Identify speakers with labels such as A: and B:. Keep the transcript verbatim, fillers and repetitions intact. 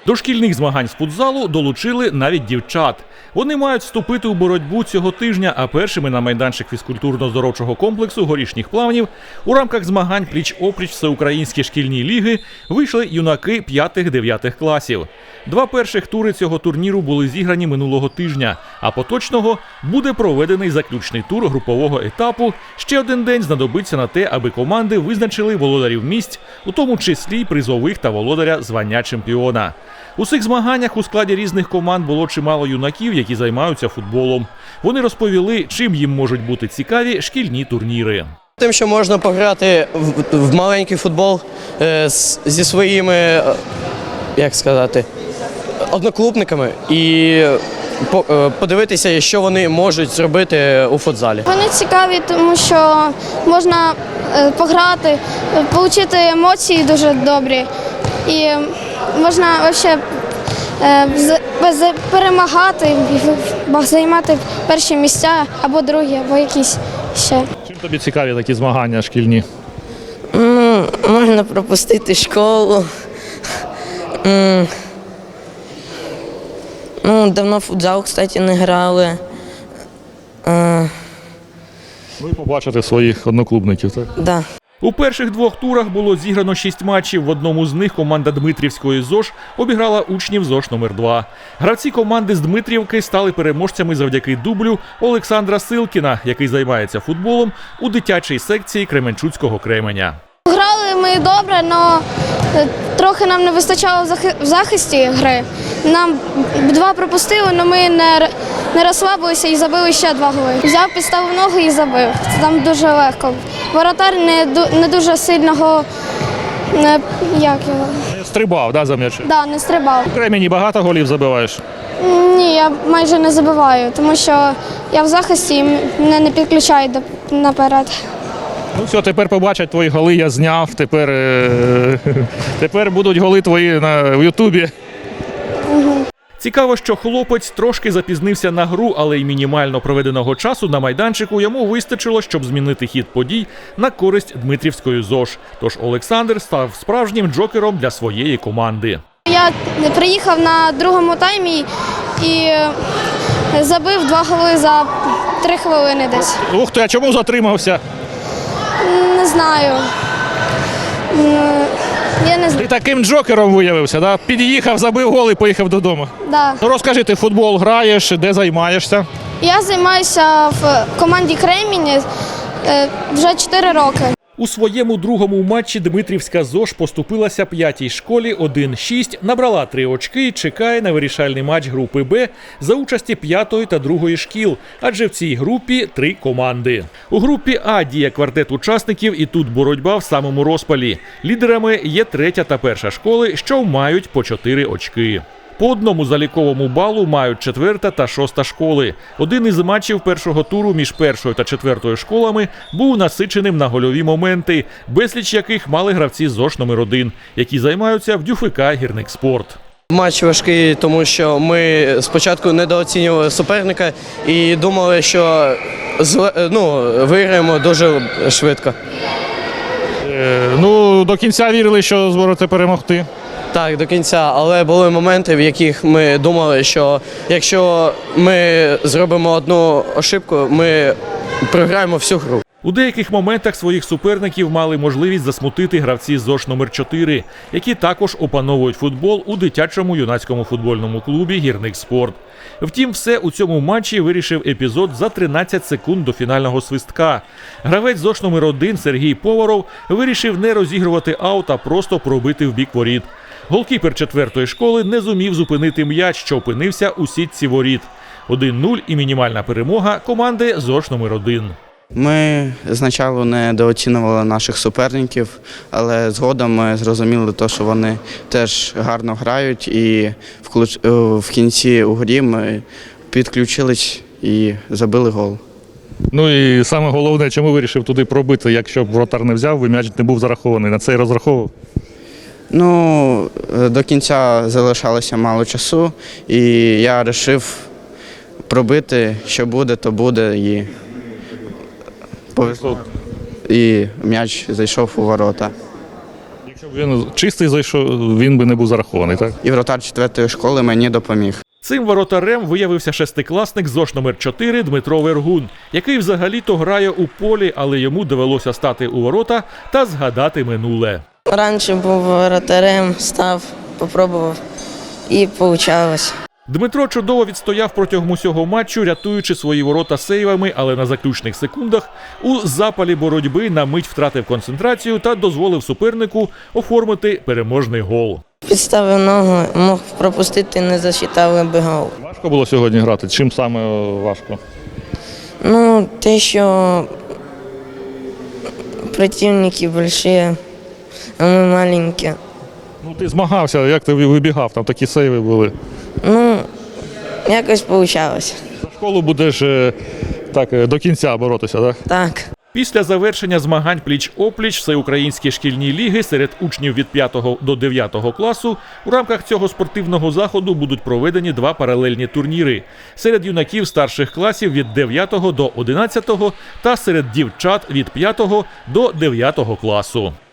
A: До шкільних змагань з футзалу долучили навіть дівчат. Вони мають вступити у боротьбу цього тижня, а першими на майданчик фізкультурно-здоровчого комплексу горішніх плавнів у рамках змагань пліч-опліч Всеукраїнські шкільні ліги вийшли юнаки п'ятих-дев'ятих класів. Два перших тури цього турніру були зіграні минулого тижня, а поточного буде проведений заключний тур групового етапу. Ще один день знадобиться на те, аби команди визначили володарів місць, у тому числі призових та володаря звання чемпіона. У цих змаганнях у складі різних команд було чимало юнаків, які займаються футболом. Вони розповіли, чим їм можуть бути цікаві шкільні турніри.
B: Тим, що можна пограти в, в маленький футбол е, з, зі своїми, е, як сказати, одноклубниками і по, е, подивитися, що вони можуть зробити у футзалі.
C: Вони цікаві, тому що можна е, пограти, отримати емоції дуже добрі. І можна взагалі перемагати, займати перші місця або другі, або якісь ще.
A: Чим тобі цікаві такі змагання шкільні?
D: Ну, можна пропустити школу. Ну, давно в футзал, кстати, не грали.
A: Ну і побачити своїх одноклубників, так?
D: Да.
A: У перших двох турах було зіграно шість матчів. В одному з них команда Дмитрівської ЗОШ обіграла учнів ЗОШ номер два. Гравці команди з Дмитрівки стали переможцями завдяки дублю Олександра Силкіна, який займається футболом у дитячій секції Кременчуцького Кременя.
C: Грали ми добре, але трохи нам не вистачало в захисті гри. Нам два пропустили, але ми не, не розслабилися і забили ще два голи. Взяв, підставив ногу і забив. Там дуже легко. Воротар не, не дуже сильного, не, як його?
A: Не стрибав, да, за м'яч?
C: Да, не стрибав.
A: У Кремені багато голів забиваєш?
C: Ні, я майже не забиваю, тому що я в захисті і мене не підключають наперед.
A: Ну все, тепер побачать твої голи, я зняв, тепер, е тепер будуть голи твої на в Ютубі.
C: Угу.
A: Цікаво, що хлопець трошки запізнився на гру, але й мінімально проведеного часу на майданчику йому вистачило, щоб змінити хід подій на користь Дмитрівської ЗОШ. Тож Олександр став справжнім джокером для своєї команди.
C: Я приїхав на другому таймі і забив два голи за три хвилини десь.
A: Ух ти, а чому затримався?
C: Не знаю. Я не знаю.
A: Ти таким джокером виявився, да? Під'їхав, забив гол і поїхав додому.
C: Да.
A: Ну розкажи, ти в футбол граєш, де займаєшся?
C: Я займаюся в команді Кремінь вже чотири роки.
A: У своєму другому матчі Дмитрівська ЗОШ поступилася п'ятій школі один шість, набрала три очки і чекає на вирішальний матч групи Б за участі п'ятої та другої шкіл, адже в цій групі три команди. У групі А діє квартет учасників і тут боротьба в самому розпалі. Лідерами є третя та перша школи, що мають по чотири очки. По одному заліковому балу мають четверта та шоста школи. Один із матчів першого туру між першою та четвертою школами був насиченим на гольові моменти, безліч яких мали гравці ЗОШ номер один, які займаються в ДЮФК «Гірникспорт».
B: Матч важкий, тому що ми спочатку недооцінювали суперника і думали, що ну, виграємо дуже швидко.
A: Е, ну, до кінця вірили, що зможете перемогти.
B: Так, до кінця, але були моменти, в яких ми думали, що якщо ми зробимо одну ошибку, ми програємо всю гру.
A: У деяких моментах своїх суперників мали можливість засмутити гравці ЗОШ номер чотири, які також опановують футбол у дитячому юнацькому футбольному клубі «Гірникспорт». Втім, все у цьому матчі вирішив епізод за тринадцять секунд до фінального свистка. Гравець ЗОШ номер один Сергій Поваров вирішив не розігрувати аут, а просто пробити в бік воріт. Голкіпер четвертої школи не зумів зупинити м'яч, що опинився у сітці воріт. один нуль і мінімальна перемога команди ЗОШ номер один.
E: Ми спочатку недооцінювали наших суперників, але згодом ми зрозуміли, що вони теж гарно грають і в кінці у грі ми підключились і забили гол.
A: Ну і саме головне, чому вирішив туди пробити, якщо б вратар не взяв, м'яч не був зарахований, на це і розраховував?
E: Ну, до кінця залишалося мало часу, і я вирішив пробити, що буде, то буде, і повезло. І м'яч зайшов у ворота.
A: Якщо б
F: Він чистий зайшов, він би не був зарахований, так?
E: І вратар четвертої школи мені допоміг.
A: Цим воротарем виявився шестикласник ЗОШ номер чотири Дмитро Вергун, який взагалі-то грає у полі, але йому довелося стати у ворота та згадати минуле.
D: Раніше був воротарем, став, попробував і вийшло.
A: Дмитро чудово відстояв протягом усього матчу, рятуючи свої ворота сейвами, але на заключних секундах у запалі боротьби на мить втратив концентрацію та дозволив супернику оформити переможний гол.
D: Підставив ногу, мог пропустити, не засчитали би гол.
F: Важко було сьогодні грати? Чим саме важко?
D: Ну, те, що противники великі, а ми маленькі.
F: Ну ти змагався, як ти вибігав, там такі сейви були.
D: Ну, якось вийшло.
F: За школу будеш е, так, е, до кінця боротися, так?
D: Так.
A: Після завершення змагань пліч-опліч всеукраїнські шкільні ліги серед учнів від п'ятого до дев'ятого класу у рамках цього спортивного заходу будуть проведені два паралельні турніри серед юнаків старших класів від дев'ятого до одинадцятого та серед дівчат від п'ятого до дев'ятого класу.